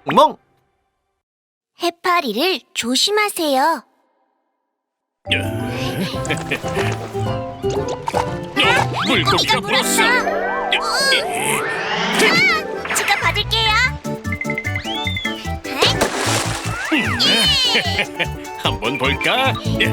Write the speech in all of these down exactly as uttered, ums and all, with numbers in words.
멍! 해파리를 조심하세요. 물고기가 물었어. 아, 제가 받을게요. 한번 볼까?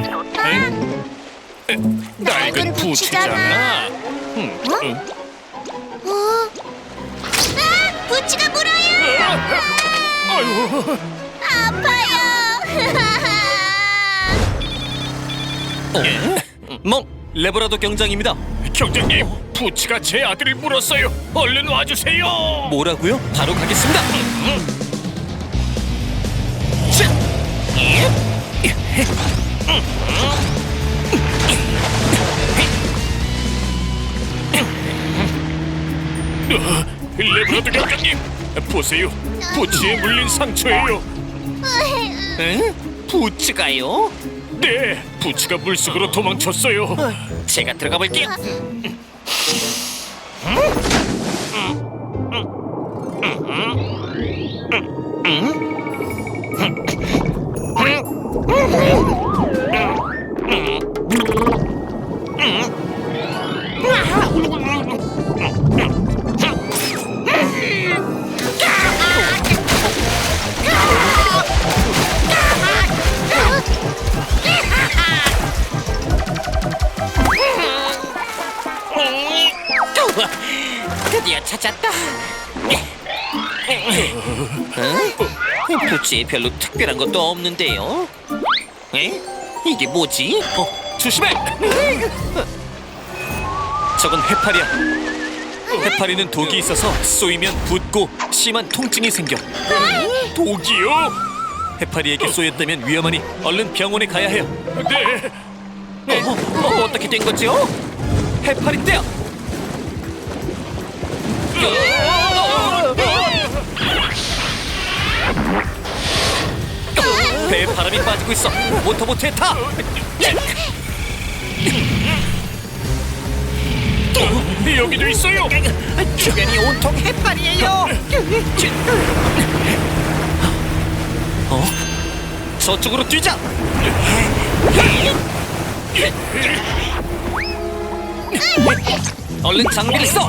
낡은 부치잖아. 응, 응. 어? 아, 부치가 물어요. 아유, 아파요. 멍! 레브라도 경장입니다. 경장님, 부치가 제 아들을 물었어요. 얼른 와주세요. 뭐라고요? 바로 가겠습니다. 레브라도 경장님, 보세요. 부치에 물린 상처예요. 응? 부츠가요? 네, 부치가 물속으로 도망쳤어요. 제가 들어가 볼게요. 드디어 찾았다. 어? 부츠에 별로 특별한 것도 없는데요. 에? 이게 뭐지? 어, 조심해! 저건 해파리야. 해파리는 독이 있어서 쏘이면 붓고 심한 통증이 생겨. 독이요? 해파리에게 쏘였다면 위험하니 얼른 병원에 가야 해요. 네. 어, 어, 어떻게 된 거죠? 해파리 떼야. 배에 바람이 빠지고 있어. 모터보트에 타. 여기도 있어요. 주변이 온통 해파리예요. 어? 저쪽으로 뛰자. 얼른 장비를 써.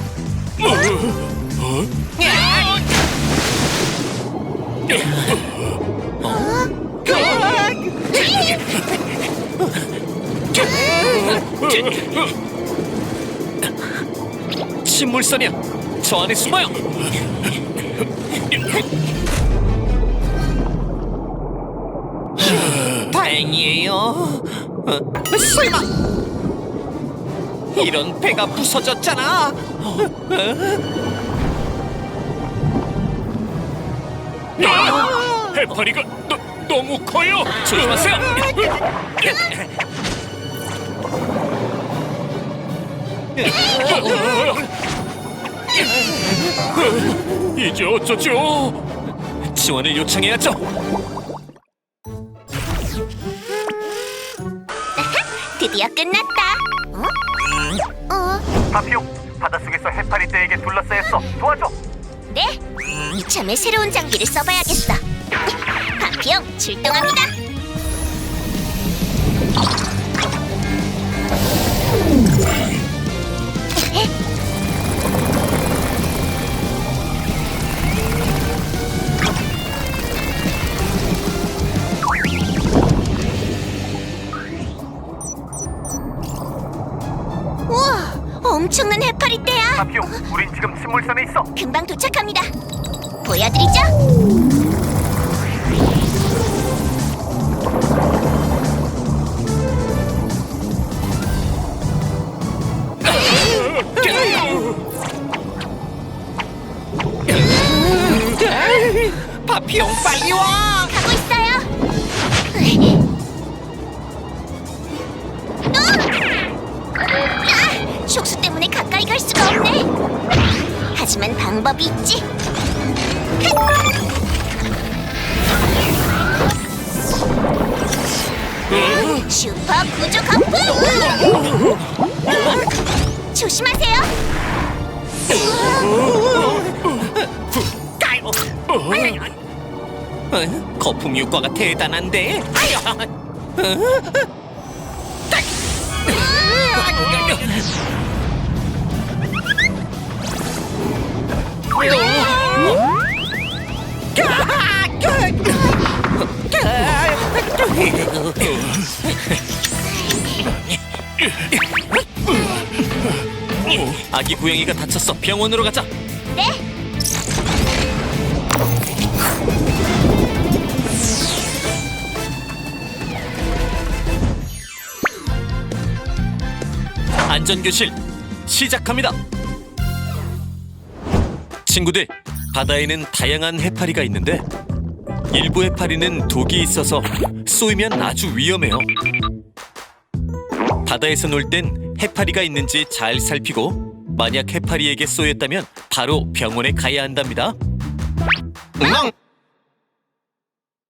침물선이야. 저 안에 숨어요. 다행이에요. 어, 설마 이런 배가 부서졌잖아. 아, 해파리가 너, 너무 커요. 조심하세요. 이제 어쩌죠? 지원을 요청해야죠. 드디어 끝났다. 어? 어? 파피용, 바닷속에서 해파리 떼에게 둘러싸였어. 도와줘. 네. 이참에 새로운 장비를 써봐야겠어. 파피용 출동합니다. 우와, 엄청난 해파리 떼야. 파피용, 우린 지금 침물선에 있어. 금방 도착합니다. 보여드리죠. 파피용 빨리 와. 가고 있어요. 아! 촉수 때문에 가까이 갈 수가 없네. 하지만 방법이 있지. 슈퍼 구조 거품! 조심하세요. 까요. 어? 거품 효과가 대단한데. 아기 고양이가 다쳤어. 병원으로 가자. 네. 안전교실 시작합니다. 친구들, 바다에는 다양한 해파리가 있는데 일부 해파리는 독이 있어서 쏘이면 아주 위험해요. 바다에서 놀 땐 해파리가 있는지 잘 살피고 만약 해파리에게 쏘였다면 바로 병원에 가야 한답니다. 응?